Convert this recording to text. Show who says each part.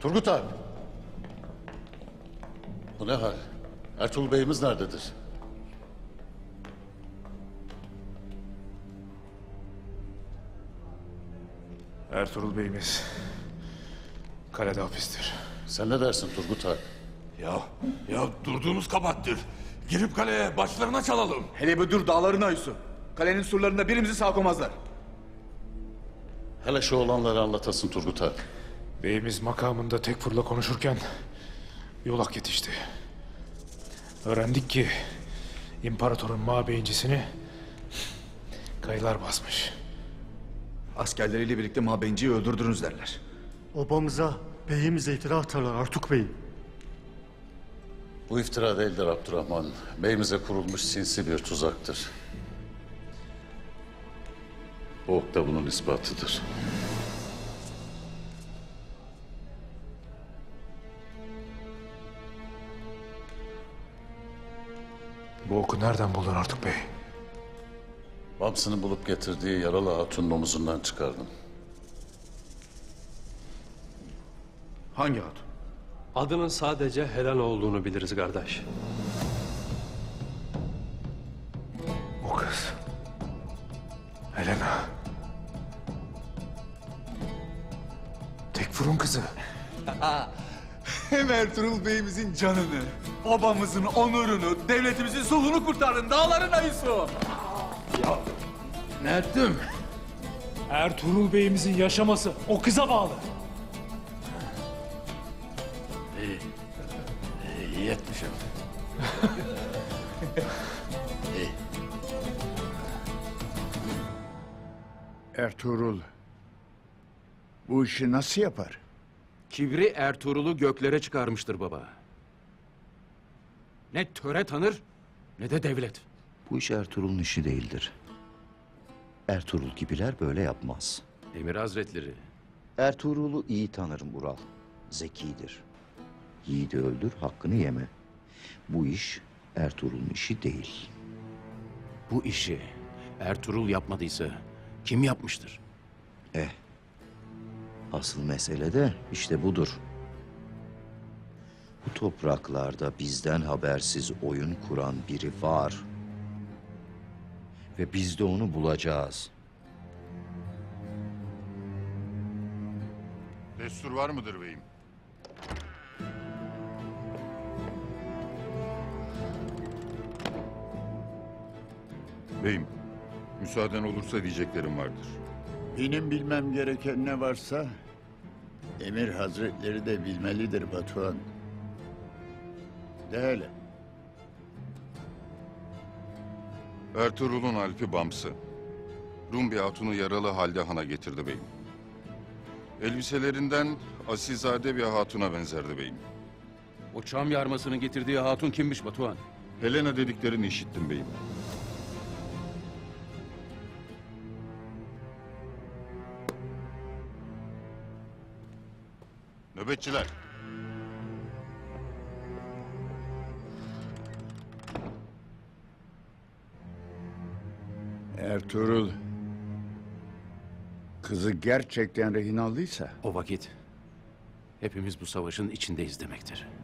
Speaker 1: Turgut abi. Bu ne hal? Ertuğrul Bey'imiz nerededir?
Speaker 2: Ertuğrul Bey'imiz kalede hapistir.
Speaker 1: Sen ne dersin Turgut abi?
Speaker 3: Ya durduğumuz kabahattir. Girip kaleye başlarına çalalım.
Speaker 4: Hele bir dur dağlarına Yusuf. Kalenin surlarında birimizi sağ koymazlar.
Speaker 1: Hele şu olanları anlatasın Turgut abi.
Speaker 2: Beyimiz makamında Tekfur'la konuşurken yolak yetişti. Öğrendik ki imparatorun mabeyincisini kayılar basmış.
Speaker 4: Askerleriyle birlikte mabenciyi öldürdünüz derler.
Speaker 5: Obamıza, beyimize iftira atarlar Artuk Bey.
Speaker 1: Bu iftira değildir Abdurrahman. Beyimize kurulmuş sinsi bir tuzaktır. Bu ok da bunun ispatıdır.
Speaker 2: Bu oku nereden buldun Artuk Bey?
Speaker 1: Bamsı'nın bulup getirdiği yaralı hatunun omuzundan çıkardım.
Speaker 4: Hangi hatun?
Speaker 6: Adının sadece Helen olduğunu biliriz kardeş.
Speaker 2: O kız. Helena. Tekfur'un kızı.
Speaker 4: Hem Ertuğrul Bey'imizin canını, babamızın onurunu, devletimizin sulhunu kurtardın dağlarına Yusuf.
Speaker 3: Ne ettim?
Speaker 2: Ertuğrul Bey'imizin yaşaması o kıza bağlı.
Speaker 3: İyi etmişim.
Speaker 7: Ertuğrul, bu işi nasıl yapar?
Speaker 8: Kibri Ertuğrul'u göklere çıkarmıştır baba. Ne töre tanır ne de devlet.
Speaker 9: Bu iş Ertuğrul'un işi değildir. Ertuğrul gibiler böyle yapmaz.
Speaker 8: Emir Hazretleri,
Speaker 9: Ertuğrul'u iyi tanırım Ural. Zekidir. Yiğidi öldür, hakkını yeme. Bu iş Ertuğrul'un işi değil.
Speaker 8: bu işi Ertuğrul yapmadıysa kim yapmıştır?
Speaker 9: Asıl mesele de işte budur. Bu topraklarda bizden habersiz oyun kuran biri var. Ve biz de onu bulacağız.
Speaker 7: Destur var mıdır beyim?
Speaker 10: Beyim, müsaaden olursa diyeceklerim vardır.
Speaker 7: Benim bilmem gereken ne varsa Emir Hazretleri de bilmelidir Batuhan. De hele.
Speaker 10: Ertuğrul'un Alp'i Bamsı, Rum bir hatunu yaralı halde hana getirdi beyim. Elbiselerinden asilzade bir hatuna benzerdi beyim.
Speaker 8: O çam yarmasının getirdiği hatun kimmiş Batuhan?
Speaker 10: Helena dediklerini işittim beyim. Nöbetçiler.
Speaker 7: Ertuğrul kızı gerçekten rehin aldıysa
Speaker 8: O vakit hepimiz bu savaşın içindeyiz demektir.